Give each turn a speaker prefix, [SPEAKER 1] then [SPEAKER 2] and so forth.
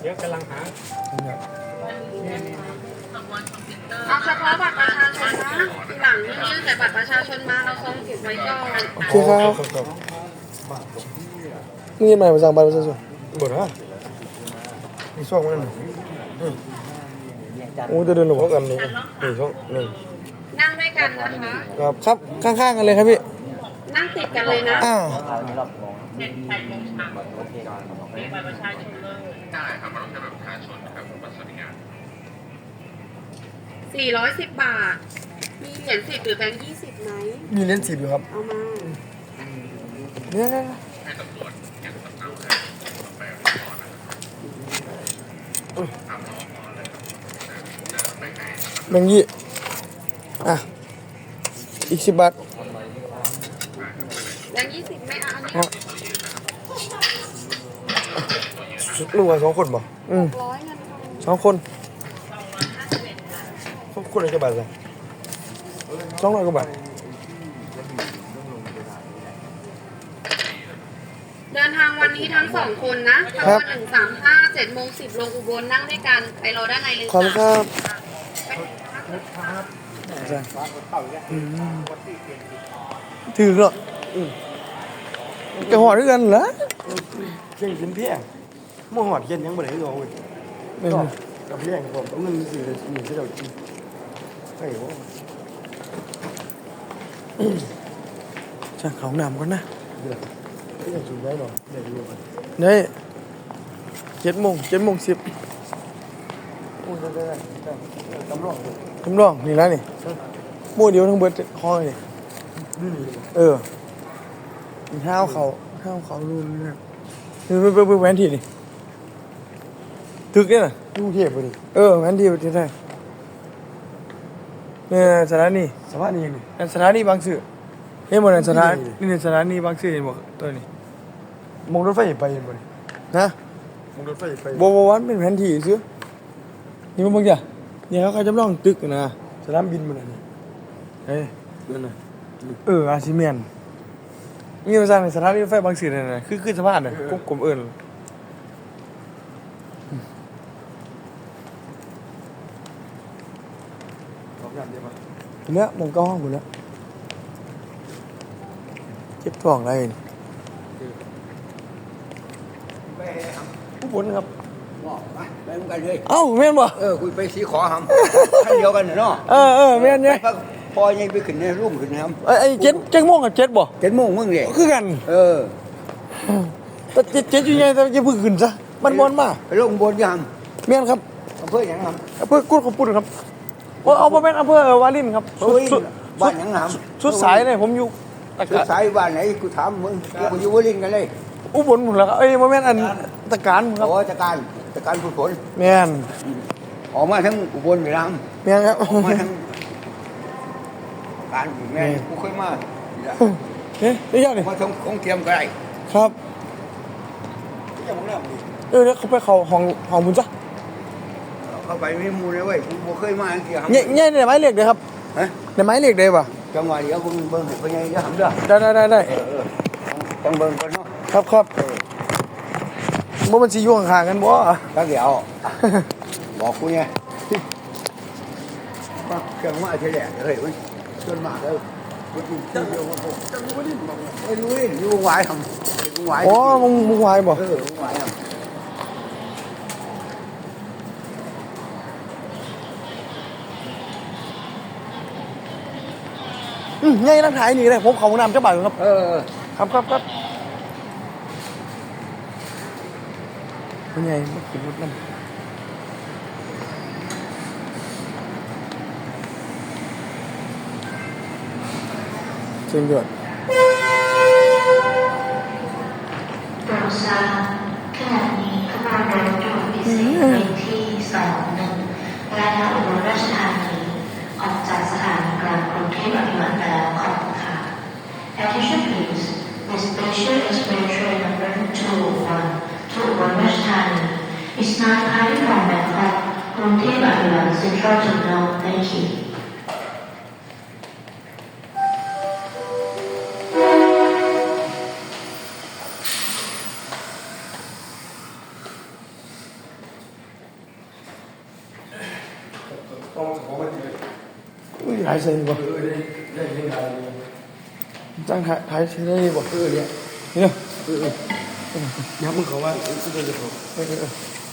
[SPEAKER 1] เดี๋ยวกำลังหา
[SPEAKER 2] เอาเฉพาะบัตรประชาชนนะทีหลังยื่นแต่บัตรประชาชนมาเราทรงเก็บไว้ก่อน
[SPEAKER 3] โอเคครับนี่ใหม่มาสั่งบัตรประชาชนบ่นะมีช่องมันโอ้จะเดินหลบกันนี่ช่องหนึ่ง
[SPEAKER 2] นั่งด้วยกันนะคะ
[SPEAKER 3] ครับข้างๆกันเลยครับพี่
[SPEAKER 2] นั่งติดกันเลยนะ410 บาทมีเหรียญ10หรือแบงค์20ไหม
[SPEAKER 3] มีเหรียญ10อยู่ครับ
[SPEAKER 2] เอามา
[SPEAKER 3] เนี่ยแบงค์ยี่อ่ะอีก10 บาท
[SPEAKER 2] แบงค์20ไม่เอาอันนี้
[SPEAKER 3] ลูกว่า2 คนบ่
[SPEAKER 2] 600เงิน
[SPEAKER 3] 2 คนคนละกี่บาทจ้ะ200 กว่าบาท
[SPEAKER 2] เดินทางวันนี้ทั้ง2 คนนะขบวน135 7:10ลงอุบลนั่งด้วยกันไปรอด้านในเลย
[SPEAKER 3] ขอบคุณครับถือเหรอจะหอดด้วยกันเหรอ
[SPEAKER 1] เก่งกินเพี้ยมหอดเย็นยังบ่ได้หรอกเว้ยกับเพี้ยผมเอาเงินซื้อหนึ่งที่เรากินใช่โว้
[SPEAKER 3] ช่างเขาหนามก่อนนะ
[SPEAKER 1] เดี๋ยวที่ยังสูงได้หรอเดี๋ยวดูกัน
[SPEAKER 3] นี่7:10
[SPEAKER 1] โอ้ได้จำลอง
[SPEAKER 3] นี่แล้วนี่มู่เดียวทั้งเบิดคอยนี่ห้าวเขารุ่นนี่ไปแหวนที่นี่ถึกเนี่ยนะ
[SPEAKER 1] กรุงเทพไปดิ
[SPEAKER 3] แหวนที่ที่ไหนเนี่ยสถานี
[SPEAKER 1] นี่
[SPEAKER 3] สถานีบางซื่อเฮ้ยมันสถานีบางซื่อเห็นบอกตัวนี้
[SPEAKER 1] มองรถไฟไปเห็นบ่
[SPEAKER 3] นะ
[SPEAKER 1] มองรถไฟไป
[SPEAKER 3] บวันเป็นแผนที่ซื้อนี่มันบางอย่างเนี่ยเขาจำลองตึกนะ
[SPEAKER 1] สนามบินมันนี่
[SPEAKER 3] นั่นน่ะอาซิเมียนนี่มาสร้างในสถานีรถไฟบางซื่อนั่นน่ะคือสะพานน่ะกลมเอิ้นเนี่ยมองก็ห้องหมดแล้วเจ็บท้องอะไรผู้บนครับ
[SPEAKER 1] ไปมึงกันเลย
[SPEAKER 3] เอ้าแม่นบ่
[SPEAKER 1] คุยไปสีขอหำท่านเดียวกันเนาะ
[SPEAKER 3] แม่นเนี่ย
[SPEAKER 1] พอยังไปขึ้นในรูปขึ้นนะครับ
[SPEAKER 3] ไอ้7 โมงกับ7บ่
[SPEAKER 1] 7 โมงมึงเนี่ย
[SPEAKER 3] คือกันแต่7อยู่ไงแต่จะพึ่งขึ้นซะมันบนมา
[SPEAKER 1] ไปลงบนยัง
[SPEAKER 3] แม่นครับ
[SPEAKER 1] อำเภอหยังครับ
[SPEAKER 3] อำเภอกุดขปุ่นครับเอาบ่แม่นอำเภอวารินครับ
[SPEAKER 1] บ้านหยังครับ
[SPEAKER 3] สุดสายเลยผมอยู่
[SPEAKER 1] สุดสายบ้านไหนกูถามมึงกูอยู่วารินกันเลย
[SPEAKER 3] อุบลหมดแล้วครับบ่แม่นอันตะการครับ
[SPEAKER 1] ตะการผู้ฝน
[SPEAKER 3] แม่น
[SPEAKER 1] ออกมาทั้งอุบลไปแล้ว
[SPEAKER 3] แม่นครับ
[SPEAKER 1] ออกมาทั้งการแม่กูเคยมา
[SPEAKER 3] ได้ยังนี่
[SPEAKER 1] มาทั้งของเตรียมก็ได้
[SPEAKER 3] ครับ
[SPEAKER 1] ยังบ่ได้
[SPEAKER 3] แล้วเขาไปเข้าห้องบุญจ้ะ
[SPEAKER 1] เข้าไปไม่มูเลยเว้ยกูบ่เคยมาเกี่ยว
[SPEAKER 3] เนี่ยได้ไม้เหล็กเลยครับได้ไม้เหล็กได้ป่ะ
[SPEAKER 1] จังหวะเดี๋ยวคุณเบิ่งให้พ่อใหญ่จะทำเด้อ
[SPEAKER 3] ได้
[SPEAKER 1] จังเบิ่งก่อนเนาะ
[SPEAKER 3] ครับบ่มันสิอยู่ข้างๆกันบ่
[SPEAKER 1] จักเดี๋ยวบอกกูไงว่าเครื่องมาเฉลี่ยเฮ้ยจนมากแล้วกูกินเดียวผมจังบ่ได้บอกรู้อยู่วงหวายทำวงหวาย
[SPEAKER 3] วงหวายบ่
[SPEAKER 1] วงหวายทำ
[SPEAKER 3] ง่ายนักถ่ายนี่เลยผมเขานำเจ้าบ่าวครับครับเป็นไงมันขึ้นรถนั่นเชิญด้วย
[SPEAKER 4] ขณะนี้ขบวนรถด่วนพิเศษเลขที่21และอุบลราชธานีออกจากสถานีกลางกรุงเทพอภิวัตรแล้วขอบคุณค่ะ Attention please this special express train number 201 to Ubon Ratchathani is now departing from Bangkok กรุงเทพอภิวัตร Central Terminal. Thank you.
[SPEAKER 3] อุ้ยหายเซ็งบ่
[SPEAKER 1] ได้เห็นอะไร
[SPEAKER 3] จ้างหายเซ็งได้บ่
[SPEAKER 1] เนี่ย
[SPEAKER 3] เนี่ย
[SPEAKER 1] ยับมึงเขาว่าสุดยอดเลยเขา
[SPEAKER 3] เออ